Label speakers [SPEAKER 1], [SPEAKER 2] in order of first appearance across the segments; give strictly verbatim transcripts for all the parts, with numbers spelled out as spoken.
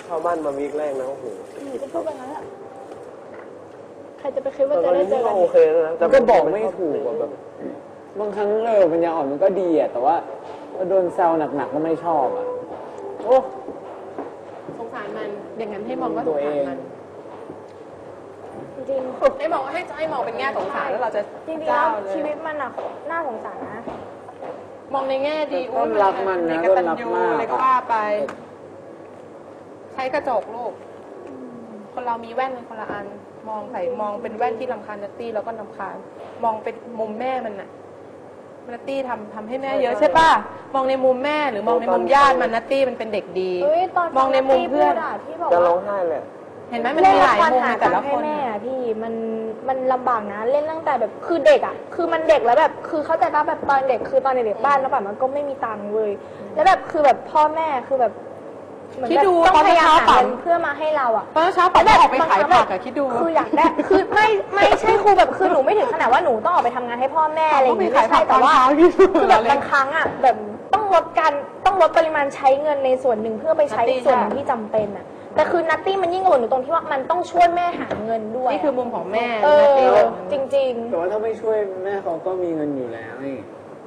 [SPEAKER 1] เข้าบ้านมาวีคแรกนะโอ้โห
[SPEAKER 2] หนูก็พูดไปงั้นแหละใครจะไปคิดว่าจะได้เจอกัน
[SPEAKER 1] โอเคนะแต่
[SPEAKER 3] ก็บอกไม่ถูกแบบบางครั้งเออปัญญาอ่อนมันก็ดีอ่ะแต่ว่าโดนแซวหนักๆก็ไม่ชอบอ่ะโอ้
[SPEAKER 4] สงสารมันอย่างนั้นให้มองว่าสงสารมัน
[SPEAKER 2] จริง
[SPEAKER 4] ให้มองให้ให้มองเป็นแง่สงสารแล้วเราจะ
[SPEAKER 2] จริงๆแล้วชีวิตมันอะน่าสงสารนะ
[SPEAKER 4] มองในแง่ดี
[SPEAKER 3] ต้นรักมันนะต้นรักมาก
[SPEAKER 4] เลยก็ว่าไปใช้กระจกลูกคนเรามีแว่นเป็นคนละอันมองใส่มองเป็นแว่นที่รำคาญนัตตี้แล้วก็รำคาญมองเป็นมุมแม่มันน่ะนัตตี้ทำทำให้แม่เยอะใช่ป่ะมองในมุมแม่หรือมองในมุมญาติมันนัตตี้มันเป็นเด็กดีมองในมุมเพื่อน
[SPEAKER 1] จะร้องไห้เลย
[SPEAKER 4] เห็นไหมมันมีหลายมุมในแต่ละคน
[SPEAKER 2] แม่พี่มันมันลำบากนะเล่นตั้งแต่แบบคือเด็กอ่ะคือมันเด็กแล้วแบบคือเข้าใจป่ะแบบตอนเด็กคือตอนเด็กบ้านแล้วแบบมันก็ไม่มีตังค์เลยแล้วแบบคือแบบพ่อแม่คือแบบ
[SPEAKER 4] คิดดู
[SPEAKER 2] ต้องพยายามหา
[SPEAKER 4] เ
[SPEAKER 2] เงินเพื่อมาให้เราอ่ะ
[SPEAKER 4] ตอนเช้าป๋าออกไปขายผักอะคิดดู
[SPEAKER 2] คืออยากได้คือไม่ไม่ใช่ครูแบบคือหนูไม่ถึงขนาดว่าหนูต้องออกไปทำงานให้พ่อแม่อะไรอย่างนี้ไม่ใช่แต่ว่าคือแบบบางครั้งอ่ะแบบต้องลดการต้องลดปริมาณใช้เงินในส่วนหนึ่งเพื่อไปใช้ส่วนที่จำเป็นอ่ะแต่คือนัตตี้มันยิ่งกว่าหนูตรงที่ว่ามันต้องช่วยแม่หาเงินด้วย
[SPEAKER 4] นี่คือมุมของแม่
[SPEAKER 2] เออจริงๆ
[SPEAKER 3] แต่ว่าถ้าไม่ช่วยแม่เขาก็มีเงินอยู่แล้วนี่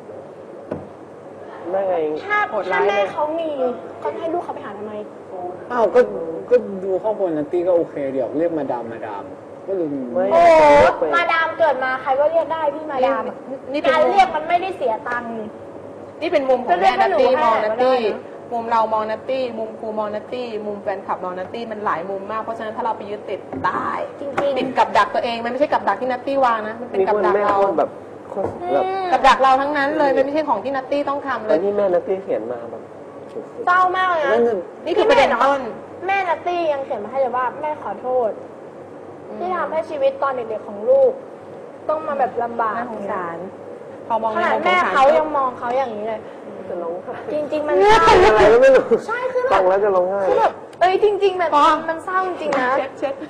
[SPEAKER 1] แม่ไง
[SPEAKER 2] ถ้าถ้าแม่เขามีเขาให้ลูกเขาไปหาทำไม
[SPEAKER 3] อ้าวก็ก็ดูครอบครัวนัตตี้ก็โอเคเดี๋ยวเรียกมาดามมาดามก็ลืม
[SPEAKER 2] โอ้มาดามเกิดมาใครก็เรียกได้พี่มาดามการเรียกมันไม่ได้เสียตังค์
[SPEAKER 4] นี่เป็นมุมของแม่นัตตี้มองนัตตี้มุมเรามองนัตตี้มุมครูมองนัตตี้มุมแฟนคลับมองนัตตี้มันหลายมุมมากเพราะฉะนั้นถ้าเราไปยึดติดตาย
[SPEAKER 2] จริงๆ
[SPEAKER 4] ติดกับดักตัวเองมันไม่ใช่กับดักที่นัตตี้วางนะมันเป็นกับดักเรา
[SPEAKER 1] แบบ
[SPEAKER 4] กับดักเราทั้งนั้นเลยมันไม่ใช่ของที่นัตตี้ต้องทำเลย
[SPEAKER 1] ที่แม่นัตตี้เขียนมาแบบ
[SPEAKER 2] เศร้ามากเลยนะ
[SPEAKER 4] นี่คือประเด็นต้น
[SPEAKER 2] แม่นัตตี้ยังเขียนมาให้เลยว่าแม่ขอโทษที่ทำให้ชีวิตตอนเด็กๆของลูกต้องมาแบบลำบาก
[SPEAKER 4] สงสารพอมอง
[SPEAKER 2] ขนาดแม่เขายังมองเขาอย่างนี้เลยจริงๆมัน
[SPEAKER 1] เศร้าอะไรก็ไม่รู้
[SPEAKER 2] ใช่คือแบ
[SPEAKER 1] บแล้วจะร้องไห้
[SPEAKER 2] คือแบบเอ้ยจริงๆแบบมันเศร้าจริงๆนะ
[SPEAKER 4] เช็ดเช็ด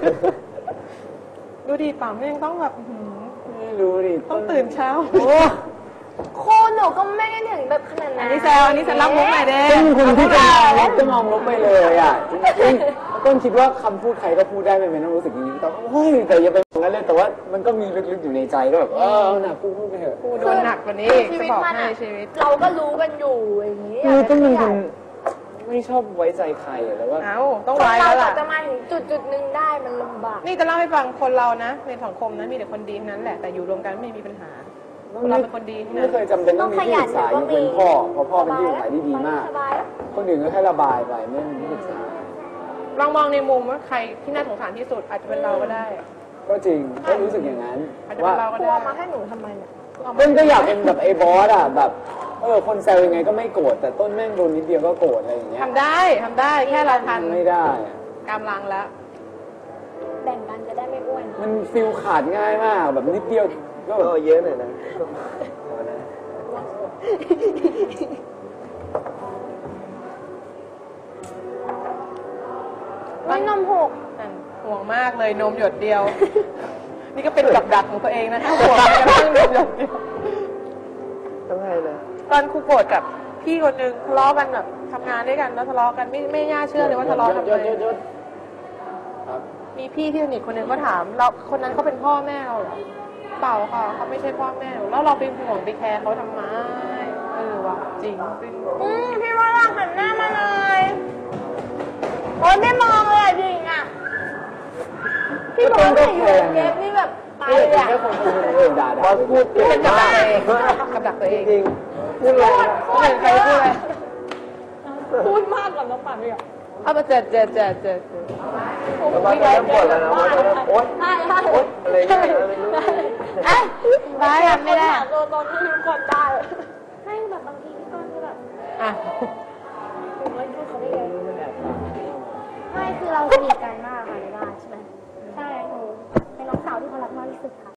[SPEAKER 4] ดูดีป่าแม่ยังต้องแบบ
[SPEAKER 3] ไม่รู้ดิ
[SPEAKER 4] ต้องตื่นเช้า
[SPEAKER 2] โคหนูก็ไม่ได้ถึงแบบขนาดนั้น
[SPEAKER 4] อันนี้แซวอันนี้ฉันรับมุกหน่อยเด้
[SPEAKER 3] เป็นคนที่จะลบจะมองลบไปเลยอ่ะจริงๆต้นคิดว่าคำพูดใครก็พูดได้ไม่เป็นต้องรู้สึกอย่างนี้แต่เฮ้ยแต่อย่าไปมองนั้นเลยแต่ว่ามันก็มีลึกๆอยู่ในใจก็แบบเออหนักพูดพูดไปเถอะ
[SPEAKER 4] พูดโดนหนักกว่านี้จะบอกให้ชีวิต
[SPEAKER 2] เราก็รู้กันอยู่อย่างนี้
[SPEAKER 3] คือต้นเป็นคนไม่ชอบไว้ใจใครแล้วว่า
[SPEAKER 4] เอ้าต้องไว้แล้วล่ะ
[SPEAKER 2] จะมาถึงจุดจุดหนึ่งได้มันลำบาก
[SPEAKER 4] นี่จะเล่าให้ฟังคนเรานะในสังคมนั้นมีแต่คนดีนั้นแหละแต่อยู่รวมกันไม่มีปัญหาเราเป็นคนดี
[SPEAKER 3] ไม่เคยจำเป็นต้องมีที่ปรึกษายกเว้นพ่อเพราะพ่อเป็นที่ปรึกษาที่ดีมากคนอื่นก็แค่ระบายไปไม่มีที่ปรึกษา
[SPEAKER 4] ลองมองในมุมว่าใครที่น่าสงสารที่สุดอาจจะเป็นเราก็ได้
[SPEAKER 3] ก็จริงก็รู้สึกอย่างนั้น
[SPEAKER 4] ว่า
[SPEAKER 2] กลัวมาให้หนูทำไมเนี่ย
[SPEAKER 3] เพื่อนก็อยากเป็นแบบไอ้บอสอ่ะแบบเออคนแซวยังไงก็ไม่โกรธแต่ต้นแม่งโดนนิดเดียวก็โกรธอะไรอย่างเงี้ย
[SPEAKER 4] ทำได้ทำได้แค่เราทัน
[SPEAKER 3] ไม่ได้
[SPEAKER 4] กำลังแล้ว
[SPEAKER 2] แบ่งกันจะได้ไม่อ้วน
[SPEAKER 3] มันฟิลขาดง่ายมากแบบนิดเดียวก็แบบ
[SPEAKER 1] เยอะหน่อยนะ
[SPEAKER 2] ไม่นมหก
[SPEAKER 4] ห่วงมากเลยนมหยดเดียวนี่ก็เป็นกับดักของตัวเองนะห่วงไม่กระทั่งนมหยดเดียว
[SPEAKER 1] ต้องให้นะ
[SPEAKER 4] ตอนครูโกรธกับพี่คนนึงทะเลาะกันแบบทำงานด้วยกันแล้วทะเลาะกันไม่ไม่น่าเชื่อเลยว่าทะเลาะทำไมมีพี่ที่สนิทคนนึงก็ถามเราคนนั้นเขาเป็นพ่อแม่เราเหรอเปล่าค่ะเขาไม่ใช่พ่อแม่แล้วเราไปห่วงไปแคร์เขาทำไมเออว่ะจริงจริง
[SPEAKER 2] อืมพี่ว่าเราหันหน้ามาเลยโอ๊ยไม่มองเลยจริงอ่ะพี่บอกว่าอยู่เก็บนี่แบบตายเลยอ่ะ
[SPEAKER 3] บอสพูดเก่งมาก
[SPEAKER 4] กับดักตัวเอง
[SPEAKER 1] จริง
[SPEAKER 2] พูดพูด
[SPEAKER 4] ใครพูดอะไร
[SPEAKER 2] พูดมากกับน้องปั่นเลยอ่ะ
[SPEAKER 4] เอามาเจ็ดเจ็ดเจ็ดเจ็ด
[SPEAKER 1] บอสเริ่มปวดแล้วนะบอสเริ่มโอ๊ยโอ๊ยอะไรเงี้ยไม่รู้
[SPEAKER 2] เอ้ยไม่ได้ไม่ได้ตัวตนที่ทุกคนได้ให้แบบบางทีพี่ต้นก็แบบ
[SPEAKER 4] อ่ะ
[SPEAKER 2] ถึงว่าช่วยเขาได้ไงไม่คือเราสนิทกันมากค่ะในบ้านใช่ไหมใช่หนูเป็นน้องสาวที่เขารักมากที่สุดค่ะ